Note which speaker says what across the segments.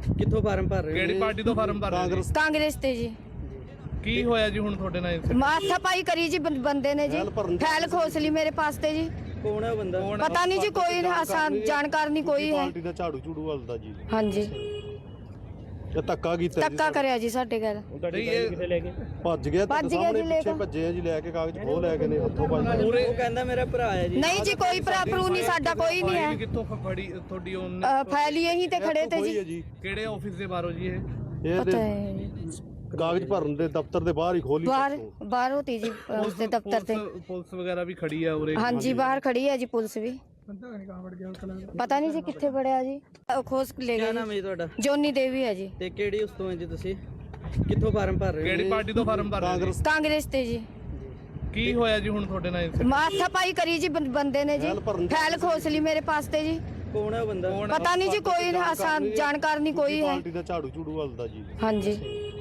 Speaker 1: ਕਿੱਥੋਂ ਫਾਰਮ ਭਰ ਰਹੇ ਹੋ?
Speaker 2: ਕਿਹੜੀ ਪਾਰਟੀ ਤੋਂ ਫਾਰਮ ਭਰ ਰਹੇ ਜੀ?
Speaker 3: ਕਾਂਗਰਸ ਤੇ ਜੀ।
Speaker 2: ਕੀ ਹੋਇਆ ਜੀ ਹੁਣ ਤੁਹਾਡੇ ਨਾਲ?
Speaker 3: ਮਾਥਾ ਪਾਈ ਕਰੀ ਜੀ ਬੰਦੇ ਨੇ ਜੀ, ਫੈਲ ਖੋਸ ਲਈ ਮੇਰੇ ਪਾਸ ਤੇ ਜੀ।
Speaker 1: ਕੌਣ ਹੈ ਬੰਦਾ?
Speaker 3: ਪਤਾ ਨਹੀਂ ਜੀ, ਕੋਈ ਆਸਾਨ ਜਾਣਕਾਰ ਨਹੀਂ ਕੋਈ ਹੈ।
Speaker 4: ਪਾਰਟੀ ਦਾ ਝਾੜੂ ਝੂੜੂ ਵਾਲਦਾ ਜੀ।
Speaker 3: ਹਾਂਜੀ,
Speaker 4: ਇਹ ਧੱਕਾ ਕੀਤਾ ਜੀ,
Speaker 3: ਧੱਕਾ ਕਰਿਆ ਜੀ ਸਾਡੇ ਘਰ।
Speaker 2: ਕਿੱਥੇ ਲੈ ਕੇ
Speaker 4: ਭੱਜ ਗਿਆ ਤੇ ਸਾਹਮਣੇ ਪਿੱਛੇ ਭੱਜੇ ਆ ਜੀ, ਲੈ ਕੇ ਕਾਗਜ਼ ਖੋਹ ਲੈ ਕੇ ਨੇ ਹੱਥੋਂ ਭੱਜ ਗਏ।
Speaker 1: ਉਹ ਕਹਿੰਦਾ ਮੇਰਾ ਭਰਾ ਹੈ ਜੀ।
Speaker 3: ਨਹੀਂ ਜੀ, ਕੋਈ ਭਰਾ ਭਰੂ ਨਹੀਂ, ਸਾਡਾ ਕੋਈ ਨਹੀਂ ਹੈ।
Speaker 2: ਕਿੱਥੋਂ ਫੜੀ ਤੁਹਾਡੀ ਉਹਨੇ?
Speaker 3: ਫੈਲ ਹੀ ਇਹੀ ਤੇ ਖੜੇ ਤੇ ਜੀ।
Speaker 2: ਕਿਹੜੇ ਆਫਿਸ ਦੇ ਬਾਹਰੋਂ ਜੀ ਇਹ?
Speaker 3: ਪਤਾ ਹੈ
Speaker 4: ਕਾਗਜ਼ ਭਰਨ ਦੇ ਦਫ਼ਤਰ ਦੇ ਬਾਹਰ ਹੀ ਖੋਲੀ।
Speaker 3: ਬਾਹਰ ਹੋਤੀ ਜੀ ਉਸਦੇ ਦਫ਼ਤਰ ਤੇ।
Speaker 2: ਪੁਲਿਸ ਵਗੈਰਾ ਵੀ ਖੜੀ ਹੈ ਉਰੇ?
Speaker 3: ਹਾਂਜੀ, ਬਾਹਰ ਖੜੀ ਹੈ ਜੀ ਪੁਲਿਸ ਵੀ। ਪਤਾ ਨਹੀਂ ਜੀ ਕਿੱਥੇ ਵੜਿਆ ਜੀ, ਖੋਸ ਲੈ
Speaker 1: ਕੀ
Speaker 3: ਗਏ।
Speaker 1: ਨਾਮ ਹੈ ਜੀ ਤੁਹਾਡਾ?
Speaker 3: ਜੋਨੀ ਦੇਵੀ ਹੈ ਜੀ।
Speaker 1: ਤੇ ਕਿਹੜੀ ਉਸ ਤੋਂ ਹੈ ਜੀ ਤੁਸੀਂ? ਕਿੱਥੋਂ ਫਾਰਮ ਭਰ ਰਹੇ ਹੋ?
Speaker 2: ਕਿਹੜੀ ਪਾਰਟੀ ਤੋਂ ਫਾਰਮ ਭਰ ਰਹੇ ਜੀ?
Speaker 3: ਕਾਂਗਰਸ ਤੇ ਜੀ।
Speaker 2: ਕੀ ਹੋਇਆ ਜੀ ਹੁਣ ਤੁਹਾਡੇ ਨਾਲ?
Speaker 3: ਮਾਥਾ ਪਾਈ ਕਰੀ ਜੀ ਬੰਦੇ ਨੇ ਜੀ, ਫੈਲ ਖੋਸ ਲਈ ਮੇਰੇ ਪਾਸ ਤੇ ਜੀ।
Speaker 1: ਕੌਣ ਹੈ ਬੰਦਾ?
Speaker 3: ਪਤਾ ਨਹੀਂ ਜੀ, ਕੋਈ ਆਸਾਨ ਜਾਣਕਾਰ ਨਹੀਂ ਕੋਈ ਹੈ।
Speaker 4: ਪਾਰਟੀ ਦਾ ਝਾੜੂ ਝੂੜੂ ਵਾਲਦਾ ਜੀ।
Speaker 3: ਹਾਂਜੀ,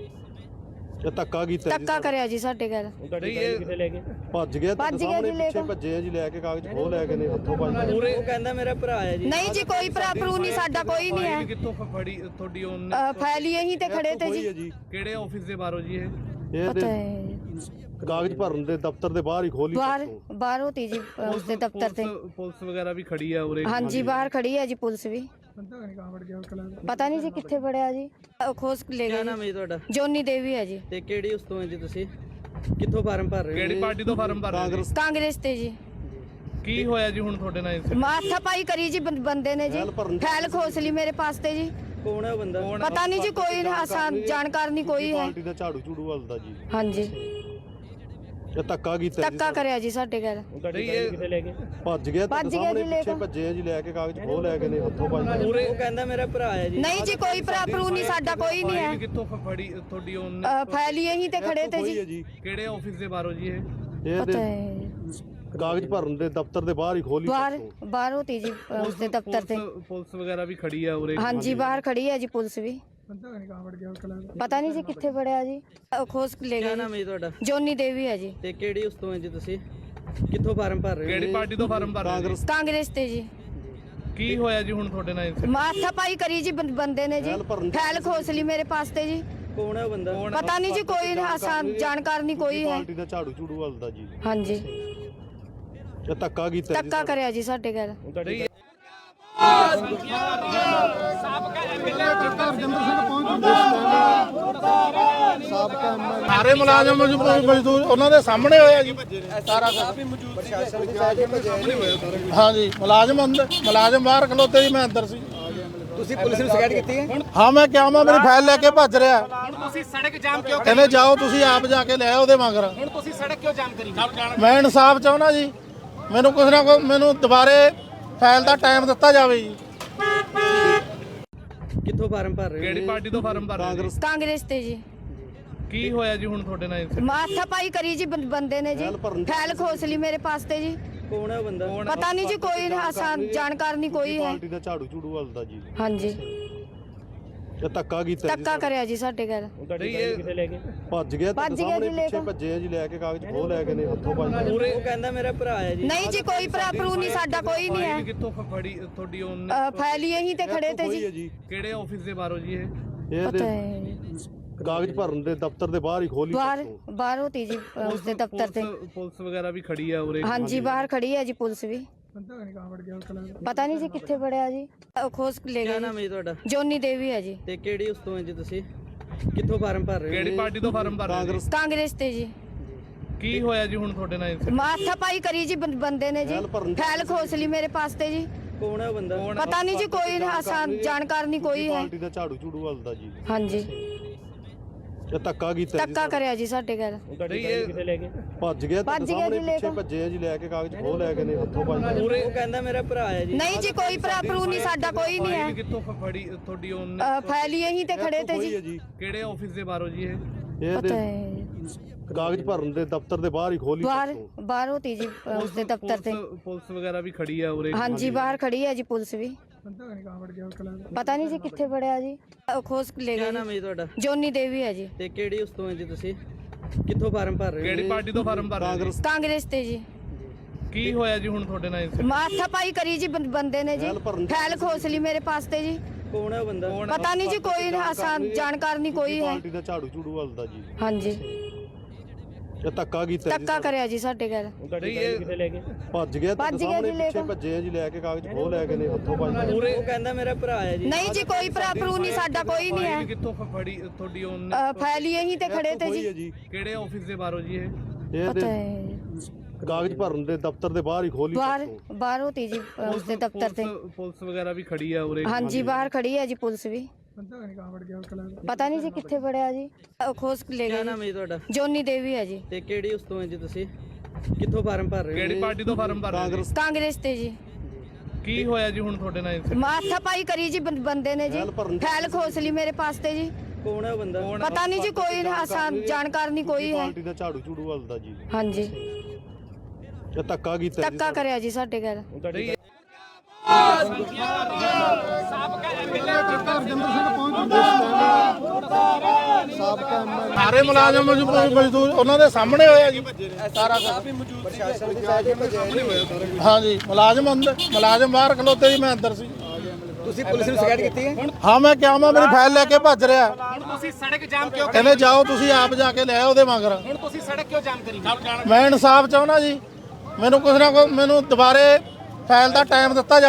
Speaker 4: ਇਹ ਧੱਕਾ ਕੀਤਾ ਜੀ,
Speaker 3: ਧੱਕਾ ਕਰਿਆ ਜੀ ਸਾਡੇ ਘਰ।
Speaker 2: ਕਿੱਥੇ ਲੈ ਕੇ?
Speaker 4: ਭੱਜ ਗਿਆ ਤੇ ਸਾਹਮਣੇ ਪਿੱਛੇ ਭੱਜੇ ਆ ਜੀ, ਲੈ ਕੇ ਕਾਗਜ਼ ਖੋਹ ਲੈ ਕੇ ਨੇ ਹੱਥੋਂ ਭੱਜ ਗਏ।
Speaker 1: ਉਹ ਕਹਿੰਦਾ ਮੇਰਾ ਭਰਾ ਹੈ ਜੀ।
Speaker 3: ਨਹੀਂ ਜੀ, ਕੋਈ ਭਰਾ ਭਰੂ ਨਹੀਂ, ਸਾਡਾ ਕੋਈ ਨਹੀਂ ਹੈ।
Speaker 2: ਕਿੱਥੋਂ ਫੜੀ ਤੁਹਾਡੀ ਉਹਨੇ?
Speaker 3: ਫੈਲ ਹੀ ਇਹੀ ਤੇ ਖੜੇ ਤੇ ਜੀ।
Speaker 2: ਕਿਹੜੇ ਆਫਿਸ ਦੇ ਬਾਹਰੋਂ ਜੀ ਇਹ?
Speaker 3: ਪਤਾ ਹੈ
Speaker 4: ਕਾਗਜ਼ ਭਰਨ ਦੇ ਦਫ਼ਤਰ ਦੇ ਬਾਹਰ ਹੀ ਖੋਲੀ।
Speaker 3: ਬਾਹਰ ਹੋਤੀ ਜੀ ਉਸਦੇ ਦਫ਼ਤਰ ਤੇ।
Speaker 2: ਪੁਲਿਸ ਵਗੈਰਾ ਵੀ ਖੜੀ ਹੈ ਉਰੇ?
Speaker 3: ਹਾਂਜੀ, ਬਾਹਰ ਖੜੀ ਹੈ ਜੀ ਪੁਲਿਸ ਵੀ। ਪਤਾ ਨਹੀਂ ਜੀ ਕਿੱਥੇ ਵੜਿਆ ਜੀ, ਖੋਸ ਲੈ
Speaker 1: ਕੀ
Speaker 3: ਗਏ।
Speaker 1: ਨਾਮ ਹੈ ਜੀ ਤੁਹਾਡਾ?
Speaker 3: ਜੋਨੀ ਦੇਵੀ ਹੈ ਜੀ।
Speaker 1: ਤੇ ਕਿਹੜੀ ਉਸ ਤੋਂ ਹੈ ਜੀ ਤੁਸੀਂ? ਕਿੱਥੋਂ ਫਾਰਮ ਭਰ ਰਹੇ ਹੋ?
Speaker 2: ਕਿਹੜੀ ਪਾਰਟੀ ਤੋਂ ਫਾਰਮ ਭਰ ਰਹੇ ਜੀ?
Speaker 3: ਕਾਂਗਰਸ ਤੇ ਜੀ।
Speaker 2: ਕੀ ਹੋਇਆ ਜੀ ਹੁਣ ਤੁਹਾਡੇ ਨਾਲ?
Speaker 3: ਮਾਥਾ ਪਾਈ ਕਰੀ ਜੀ ਬੰਦੇ ਨੇ ਜੀ, ਫੈਲ ਖੋਸ ਲਈ ਮੇਰੇ ਪਾਸ ਤੇ ਜੀ।
Speaker 1: ਕੌਣ ਹੈ ਬੰਦਾ?
Speaker 3: ਪਤਾ ਨਹੀਂ ਜੀ, ਕੋਈ ਆਸਾਨ ਜਾਣਕਾਰ ਨਹੀਂ ਕੋਈ ਹੈ।
Speaker 4: ਪਾਰਟੀ ਦਾ ਝਾੜੂ ਝੂੜੂ ਵਾਲਦਾ ਜੀ।
Speaker 3: ਹਾਂਜੀ,
Speaker 4: ਇਹ ਧੱਕਾ ਕੀਤਾ ਜੀ,
Speaker 3: ਧੱਕਾ ਕਰਿਆ ਜੀ ਸਾਡੇ ਘਰ।
Speaker 2: ਕਿੱਥੇ ਲੈ ਕੇ?
Speaker 4: ਭੱਜ ਗਿਆ ਤੇ ਸਾਹਮਣੇ ਪਿੱਛੇ ਭੱਜੇ ਆ ਜੀ, ਲੈ ਕੇ ਕਾਗਜ਼ ਖੋਹ ਲੈ ਕੇ ਨੇ ਹੱਥੋਂ ਭੱਜ ਗਏ।
Speaker 1: ਉਹ ਕਹਿੰਦਾ ਮੇਰਾ ਭਰਾ ਹੈ ਜੀ।
Speaker 3: ਨਹੀਂ ਜੀ, ਕੋਈ ਭਰਾ ਭਰੂ ਨਹੀਂ, ਸਾਡਾ ਕੋਈ ਨਹੀਂ ਹੈ।
Speaker 2: ਕਿੱਥੋਂ ਫੜੀ ਤੁਹਾਡੀ ਉਹਨੇ?
Speaker 3: ਫੈਲ ਹੀ ਇਹੀ ਤੇ ਖੜੇ ਤੇ ਜੀ।
Speaker 2: ਕਿਹੜੇ ਆਫਿਸ ਦੇ ਬਾਹਰੋਂ ਜੀ ਇਹ?
Speaker 3: ਪਤਾ ਹੈ
Speaker 4: ਕਾਗਜ਼ ਭਰਨ ਦੇ ਦਫ਼ਤਰ ਦੇ ਬਾਹਰ ਹੀ ਖੋਲੀ।
Speaker 3: ਬਾਹਰ ਹੋਤੀ ਜੀ ਉਸਦੇ ਦਫ਼ਤਰ ਤੇ।
Speaker 2: ਪੁਲਿਸ ਵਗੈਰਾ ਵੀ ਖੜੀ ਹੈ ਉਰੇ?
Speaker 3: ਹਾਂਜੀ, ਬਾਹਰ ਖੜੀ ਹੈ ਜੀ ਪੁਲਿਸ ਵੀ। ਪਤਾ ਨਹੀਂ ਜੀ ਕਿੱਥੇ ਵੜਿਆ ਜੀ, ਖੋਸ ਲੈ
Speaker 1: ਕੀ
Speaker 3: ਗਏ।
Speaker 1: ਨਾਮ ਹੈ ਜੀ ਤੁਹਾਡਾ?
Speaker 3: ਜੋਨੀ ਦੇਵੀ ਹੈ ਜੀ।
Speaker 1: ਤੇ ਕਿਹੜੀ ਉਸ ਤੋਂ ਹੈ ਜੀ ਤੁਸੀਂ? ਕਿੱਥੋਂ ਫਾਰਮ ਭਰ ਰਹੇ ਹੋ?
Speaker 2: ਕਿਹੜੀ ਪਾਰਟੀ ਤੋਂ ਫਾਰਮ ਭਰ ਰਹੇ ਜੀ?
Speaker 3: ਕਾਂਗਰਸ ਤੇ ਜੀ।
Speaker 2: ਕੀ ਹੋਇਆ ਜੀ ਹੁਣ ਤੁਹਾਡੇ ਨਾਲ?
Speaker 3: ਮਾਥਾ ਪਾਈ ਕਰੀ ਜੀ ਬੰਦੇ ਨੇ ਜੀ, ਫੈਲ ਖੋਸ ਲਈ ਮੇਰੇ ਪਾਸ ਤੇ ਜੀ।
Speaker 1: ਕੌਣ ਹੈ ਬੰਦਾ?
Speaker 3: ਪਤਾ ਨਹੀਂ ਜੀ, ਕੋਈ ਆਸਾਨ ਜਾਣਕਾਰ ਨਹੀਂ ਕੋਈ ਹੈ।
Speaker 4: ਪਾਰਟੀ ਦਾ ਝਾੜੂ ਝੂੜੂ ਵਾਲਦਾ ਜੀ।
Speaker 3: ਹਾਂਜੀ,
Speaker 4: ਇਹ ਧੱਕਾ ਕੀਤਾ ਜੀ,
Speaker 3: ਧੱਕਾ ਕਰਿਆ ਜੀ ਸਾਡੇ ਘਰ।
Speaker 5: ਸਾਰੇ ਮੁਲਾਜ਼ਮ ਮਜ਼ਦੂਰ ਉਹਨਾਂ ਦੇ ਸਾਹਮਣੇ ਹੋਇਆ ਜੀ ਸਾਰਾ ਹਾਂਜੀ ਮੁਲਾਜ਼ਮ ਬਾਹਰ ਖਲੋਤੇ ਜੀ, ਮੈਂ ਅੰਦਰ ਸੀ।
Speaker 1: ਤੁਸੀਂ ਪੁਲਿਸ ਨੂੰ ਸ਼ਿਕਾਇਤ ਕੀਤੀ ਹੈ?
Speaker 5: ਹਾਂ, ਮੈਂ ਕਿਹਾ ਮੇਰੀ ਫਾਈਲ ਲੈ ਕੇ ਭੱਜ ਰਿਹਾ।
Speaker 6: ਹੁਣ ਤੁਸੀਂ ਸੜਕ ਜਾਮ ਕਿਉਂ ਕਰੀ?
Speaker 5: ਕਹਿੰਦੇ ਜਾਓ ਤੁਸੀਂ ਆਪ ਜਾ ਕੇ ਲੈ ਆਓ ਉਹਦੇ ਮਗਰ।
Speaker 6: ਹੁਣ ਤੁਸੀਂ ਸੜਕ ਕਿਉਂ ਜਾਮ ਕਰੀ?
Speaker 5: ਮੈਂ ਇਨਸਾਫ ਚਾਹੁੰਦਾ ਜੀ, ਮੈਨੂੰ ਕੁਛ ਨਾ ਕੁਛ ਮੈਨੂੰ ਦੁਬਾਰੇ ਫਾਈਲ ਦਾ ਟਾਈਮ ਦਿੱਤਾ ਜਾਵੇ ਜੀ।
Speaker 1: ਕਿੱਥੋਂ ਫਾਰਮ ਭਰ ਰਹੇ ਹੋ?
Speaker 2: ਕਿਹੜੀ ਪਾਰਟੀ ਤੋਂ ਫਾਰਮ ਭਰ ਰਹੇ ਜੀ?
Speaker 3: ਕਾਂਗਰਸ ਤੇ ਜੀ।
Speaker 2: ਕੀ ਹੋਇਆ ਜੀ ਹੁਣ ਤੁਹਾਡੇ ਨਾਲ?
Speaker 3: ਮਾਥਾ ਪਾਈ ਕਰੀ ਜੀ ਬੰਦੇ ਨੇ ਜੀ, ਫੈਲ ਖੋਸ ਲਈ ਮੇਰੇ ਪਾਸ ਤੇ ਜੀ।
Speaker 1: ਕੌਣ ਹੈ ਬੰਦਾ?
Speaker 3: ਪਤਾ ਨਹੀਂ ਜੀ, ਕੋਈ ਆਸਾਨ ਜਾਣਕਾਰ ਨਹੀਂ ਕੋਈ ਹੈ।
Speaker 4: ਪਾਰਟੀ ਦਾ ਝਾੜੂ ਝੂੜੂ ਵਾਲਦਾ ਜੀ।
Speaker 3: ਹਾਂਜੀ,
Speaker 4: ਇਹ ਧੱਕਾ ਕੀਤਾ ਜੀ,
Speaker 3: ਧੱਕਾ ਕਰਿਆ ਜੀ ਸਾਡੇ ਘਰ।
Speaker 2: ਕਿੱਥੇ ਲੈ ਕੇ?
Speaker 4: ਭੱਜ ਗਿਆ ਤੇ ਸਾਹਮਣੇ ਪਿੱਛੇ ਭੱਜੇ ਆ ਜੀ, ਲੈ ਕੇ ਕਾਗਜ਼ ਖੋਹ ਲੈ ਕੇ ਨੇ ਹੱਥੋਂ ਭੱਜ ਗਏ।
Speaker 1: ਉਹ ਕਹਿੰਦਾ ਮੇਰਾ ਭਰਾ ਹੈ ਜੀ।
Speaker 3: ਨਹੀਂ ਜੀ, ਕੋਈ ਭਰਾ ਭਰੂ ਨਹੀਂ, ਸਾਡਾ ਕੋਈ ਨਹੀਂ ਹੈ।
Speaker 2: ਕਿੱਥੋਂ ਫੜੀ ਤੁਹਾਡੀ ਉਹਨੇ?
Speaker 3: ਫੈਲ ਹੀ ਇਹੀ ਤੇ ਖੜੇ ਤੇ ਜੀ।
Speaker 2: ਕਿਹੜੇ ਆਫਿਸ ਦੇ ਬਾਹਰੋਂ ਜੀ ਇਹ?
Speaker 3: ਪਤਾ ਹੈ
Speaker 4: ਕਾਗਜ਼ ਭਰਨ ਦੇ ਦਫ਼ਤਰ ਦੇ ਬਾਹਰ ਹੀ ਖੋਲੀ।
Speaker 3: ਬਾਹਰ ਹੋਤੀ ਜੀ ਉਸਦੇ ਦਫ਼ਤਰ ਤੇ।
Speaker 2: ਪੁਲਿਸ ਵਗੈਰਾ ਵੀ ਖੜੀ ਹੈ ਉਰੇ?
Speaker 3: ਹਾਂਜੀ, ਬਾਹਰ ਖੜੀ ਹੈ ਜੀ ਪੁਲਿਸ ਵੀ। ਪਤਾ ਨਹੀਂ ਜੀ ਕਿੱਥੇ ਵੜਿਆ ਜੀ, ਖੋਸ ਲੈ
Speaker 1: ਕੀ
Speaker 3: ਗਏ।
Speaker 1: ਨਾਮ ਹੈ ਜੀ ਤੁਹਾਡਾ?
Speaker 3: ਜੋਨੀ ਦੇਵੀ ਹੈ ਜੀ।
Speaker 1: ਤੇ ਕਿਹੜੀ ਉਸ ਤੋਂ ਹੈ ਜੀ ਤੁਸੀਂ? ਕਿੱਥੋਂ ਫਾਰਮ ਭਰ ਰਹੇ ਹੋ?
Speaker 2: ਕਿਹੜੀ ਪਾਰਟੀ ਤੋਂ ਫਾਰਮ ਭਰ ਰਹੇ ਜੀ?
Speaker 3: ਕਾਂਗਰਸ ਤੇ ਜੀ।
Speaker 2: ਕੀ ਹੋਇਆ ਜੀ ਹੁਣ ਤੁਹਾਡੇ ਨਾਲ?
Speaker 3: ਮਾਥਾ ਪਾਈ ਕਰੀ ਜੀ ਬੰਦੇ ਨੇ ਜੀ, ਫੈਲ ਖੋਸ ਲਈ ਮੇਰੇ ਪਾਸ ਤੇ ਜੀ।
Speaker 1: ਕੌਣ ਹੈ ਬੰਦਾ?
Speaker 3: ਪਤਾ ਨਹੀਂ ਜੀ, ਕੋਈ ਆਸਾਨ ਜਾਣਕਾਰ ਨਹੀਂ ਕੋਈ ਹੈ।
Speaker 4: ਪਾਰਟੀ ਦਾ ਝਾੜੂ ਝੂੜੂ ਵਾਲਦਾ ਜੀ।
Speaker 3: ਹਾਂਜੀ,
Speaker 4: ਇਹ ਧੱਕਾ ਕੀਤਾ ਜੀ,
Speaker 3: ਧੱਕਾ ਕਰਿਆ ਜੀ ਸਾਡੇ ਘਰ।
Speaker 2: ਕਿੱਥੇ ਲੈ ਕੇ?
Speaker 4: ਭੱਜ ਗਿਆ ਤੇ ਸਾਹਮਣੇ ਪਿੱਛੇ ਭੱਜੇ ਆ ਜੀ, ਲੈ ਕੇ ਕਾਗਜ਼ ਖੋਹ ਲੈ ਕੇ ਨੇ ਹੱਥੋਂ ਭੱਜ ਗਏ।
Speaker 1: ਉਹ ਕਹਿੰਦਾ ਮੇਰਾ ਭਰਾ ਹੈ ਜੀ।
Speaker 3: ਨਹੀਂ ਜੀ, ਕੋਈ ਭਰਾ ਭਰੂ ਨਹੀਂ, ਸਾਡਾ ਕੋਈ ਨਹੀਂ ਹੈ।
Speaker 2: ਕਿੱਥੋਂ ਫੜੀ ਤੁਹਾਡੀ ਉਹਨੇ?
Speaker 3: ਫੈਲ ਹੀ ਇਹੀ ਤੇ ਖੜੇ ਤੇ ਜੀ।
Speaker 2: ਕਿਹੜੇ ਆਫਿਸ ਦੇ ਬਾਹਰੋਂ ਜੀ ਇਹ?
Speaker 3: ਪਤਾ ਹੈ
Speaker 4: ਕਾਗਜ਼ ਭਰਨ ਦੇ ਦਫ਼ਤਰ ਦੇ ਬਾਹਰ ਹੀ ਖੋਲੀ।
Speaker 3: ਬਾਹਰ ਹੋਤੀ ਜੀ ਉਸਦੇ ਦਫ਼ਤਰ ਤੇ।
Speaker 2: ਪੁਲਿਸ ਵਗੈਰਾ ਵੀ ਖੜੀ ਹੈ ਉਰੇ?
Speaker 3: ਹਾਂਜੀ, ਬਾਹਰ ਖੜੀ ਹੈ ਜੀ ਪੁਲਿਸ ਵੀ। ਪਤਾ ਨਹੀਂ ਜੀ ਕਿੱਥੇ ਵੜਿਆ ਜੀ, ਖੋਸ ਲੈ
Speaker 1: ਕੀ
Speaker 3: ਗਏ।
Speaker 1: ਨਾਮ ਹੈ ਜੀ ਤੁਹਾਡਾ?
Speaker 3: ਜੋਨੀ ਦੇਵੀ ਹੈ ਜੀ।
Speaker 1: ਤੇ ਕਿਹੜੀ ਉਸ ਤੋਂ ਹੈ ਜੀ ਤੁਸੀਂ? ਕਿੱਥੋਂ ਫਾਰਮ ਭਰ ਰਹੇ ਹੋ?
Speaker 2: ਕਿਹੜੀ ਪਾਰਟੀ ਤੋਂ ਫਾਰਮ ਭਰ ਰਹੇ ਜੀ?
Speaker 3: ਕਾਂਗਰਸ ਤੇ ਜੀ।
Speaker 2: ਕੀ ਹੋਇਆ ਜੀ ਹੁਣ ਤੁਹਾਡੇ ਨਾਲ?
Speaker 3: ਮਾਥਾ ਪਾਈ ਕਰੀ ਜੀ ਬੰਦੇ ਨੇ ਜੀ, ਫੈਲ ਖੋਸ ਲਈ ਮੇਰੇ ਪਾਸ ਤੇ ਜੀ।
Speaker 1: ਕੌਣ ਹੈ ਉਹ ਬੰਦਾ?
Speaker 3: ਪਤਾ ਨਹੀਂ ਜੀ, ਕੋਈ ਆਸਾਨ ਜਾਣਕਾਰ ਨਹੀਂ ਕੋਈ ਹੈ।
Speaker 4: ਪਾਰਟੀ ਦਾ ਝਾੜੂ ਝੂੜੂ ਹਲਦਾ ਜੀ।
Speaker 3: ਹਾਂਜੀ
Speaker 4: ਇਹ ਧੱਕਾ ਕੀਤਾ ਜੀ
Speaker 3: ਧੱਕਾ ਕਰਿਆ ਜੀ ਸਾਡੇ ਘਰ।
Speaker 2: ਨਹੀਂ ਇਹ
Speaker 4: ਭੱਜ ਗਿਆ
Speaker 3: ਭੱਜ ਗਿਆ
Speaker 4: ਸਾਹਮਣੇ
Speaker 3: ਜੀ ਲੈ
Speaker 4: ਪਿੱਛੇ
Speaker 3: ਕੇ।
Speaker 4: ਭੱਜੇ ਆ ਜੀ ਲੈ ਕੇ ਕਾਗਜ਼ ਖੋਹ ਲੈ ਕੇ ਨੇ ਹੱਥੋਂ ਭੱਜ
Speaker 1: ਉਹ ਕਹਿੰਦਾ ਮੇਰਾ ਭਰਾ ਹੈ ਜੀ।
Speaker 3: ਨਹੀਂ ਜੀ, ਕੋਈ ਭਰਾ ਭਰੂ ਨਹੀਂ, ਸਾਡਾ ਕੋਈ ਨਹੀਂ
Speaker 2: ਫਾਈਲ
Speaker 3: ਹੈ।
Speaker 2: ਕਿੱਥੋਂ ਫੜੀ ਤੁਹਾਡੀ ਉਹਨੇ?
Speaker 3: ਫੈਲੀ ਇਹੀ ਤੇ ਖੜੇ ਤੇ ਜੀ।
Speaker 4: ਜੀ
Speaker 2: ਕਿਹੜੇ ਆਫਿਸ ਦੇ ਬਾਹਰੋਂ ਜੀ ਇਹ?
Speaker 4: ਇਹ
Speaker 3: ਪਤਾ
Speaker 4: ਤੇ
Speaker 3: ਹੈ
Speaker 4: ਕਾਗਜ਼ ਭਰਨ ਦੇ ਦਫ਼ਤਰ ਦੇ ਬਾਹਰ ਹੀ ਖੋਲੀ
Speaker 3: ਬਾਹਰ ਹੋਤੀ ਜੀ ਉਸਦੇ ਦਫ਼ਤਰ ਤੇ।
Speaker 2: ਪੁਲਿਸ ਵਗੈਰਾ ਵੀ ਖੜੀ ਆ ਉਰੇ?
Speaker 3: ਹਾਂਜੀ ਬਾਹਰ ਖੜੀ ਹੈ ਜੀ ਪੁਲਿਸ ਵੀ। ਪਤਾ ਨਹੀਂ ਜੀ ਕਿੱਥੇ ਵੜਿਆ ਜੀ, ਖੋਸ ਲੈ
Speaker 1: ਕੀ
Speaker 3: ਗਏ
Speaker 1: ਨਾਮ ਹੈ ਜੀ ਤੁਹਾਡਾ?
Speaker 3: ਜੋਨੀ ਦੇਵੀ ਹੈ ਜੀ।
Speaker 1: ਤੇ ਕਿਹੜੀ ਉਸ ਤੋਂ ਹੈ ਜੀ ਤੁਸੀਂ? ਕਿੱਥੋਂ ਫਾਰਮ ਭਰ ਰਹੇ ਹੋ?
Speaker 2: ਕਿਹੜੀ ਪਾਰਟੀ ਤੋਂ ਫਾਰਮ ਭਰ ਰਹੇ ਜੀ?
Speaker 3: ਕਾਂਗਰਸ ਤੇ ਜੀ।
Speaker 2: ਕੀ ਹੋਇਆ ਜੀ ਹੁਣ ਤੁਹਾਡੇ ਨਾਲ incident?
Speaker 3: ਮਾਥਾ ਪਾਈ ਕਰੀ ਜੀ ਬੰਦੇ ਨੇ ਜੀ, ਫੈਲ ਖੋਸ ਲਈ ਮੇਰੇ ਪਾਸ ਤੇ ਜੀ।
Speaker 1: ਕੌਣ ਹੈ ਉਹ ਬੰਦਾ?
Speaker 3: ਪਤਾ ਨਹੀਂ ਜੀ, ਕੋਈ ਆਸਾਨ ਜਾਣਕਾਰ ਨਹੀਂ ਕੋਈ ਹੈ।
Speaker 4: ਪਾਰਟੀ ਦਾ ਝਾੜੂ ਝੂੜੂ ਹਲਦਾ ਜੀ।
Speaker 3: ਹਾਂਜੀ
Speaker 4: ਇਹ ਧੱਕਾ ਕੀਤਾ ਜੀ
Speaker 3: ਧੱਕਾ ਕਰਿਆ ਜੀ ਸਾਡੇ ਘਰ।
Speaker 2: ਨਹੀਂ
Speaker 5: ਸਾਰੇ ਮੁਲਾਜ਼ਮ ਮਜ਼ਦੂਰ ਉਹਨਾਂ ਦੇ ਸਾਹਮਣੇ ਹੋਇਆ ਜੀ ਸਾਰਾ ਕੁਝ। ਹਾਂਜੀ ਮੁਲਾਜ਼ਮ ਅੰਦਰ, ਮੁਲਾਜ਼ਮ ਬਾਹਰ ਖਲੋਤੇ ਜੀ, ਮੈਂ ਅੰਦਰ ਸੀ।
Speaker 6: ਤੁਸੀਂ ਪੁਲਿਸ ਨੂੰ ਸ਼ਿਕਾਇਤ ਕੀਤੀ ਹੈ?
Speaker 5: ਹਾਂ ਮੈਂ ਕਿਹਾ ਮੈਂ ਮੇਰੀ ਫਾਈਲ ਲੈ ਕੇ ਭੱਜ ਰਿਹਾ।
Speaker 6: ਹੁਣ ਤੁਸੀਂ ਸੜਕ ਜਾਮ ਕਿਉਂ
Speaker 5: ਕਹਿੰਦੇ ਜਾਓ ਤੁਸੀਂ ਆਪ ਜਾ ਕੇ ਲੈ ਆਓ ਉਹਦੇ ਮਗਰ।
Speaker 6: ਹੁਣ ਤੁਸੀਂ ਸੜਕ ਕਿਉਂ ਜਾਮ ਕਰੀ?
Speaker 5: ਮੈਂ ਇਨਸਾਫ ਚਾਹੁੰਦਾ ਜੀ, ਮੈਨੂੰ ਕੁਛ ਨਾ ਕੁਛ ਮੈਨੂੰ ਦੁਬਾਰੇ ਫਾਈਲ ਦਾ ਟਾਈਮ ਦਿੱਤਾ ਜਾਵੇ।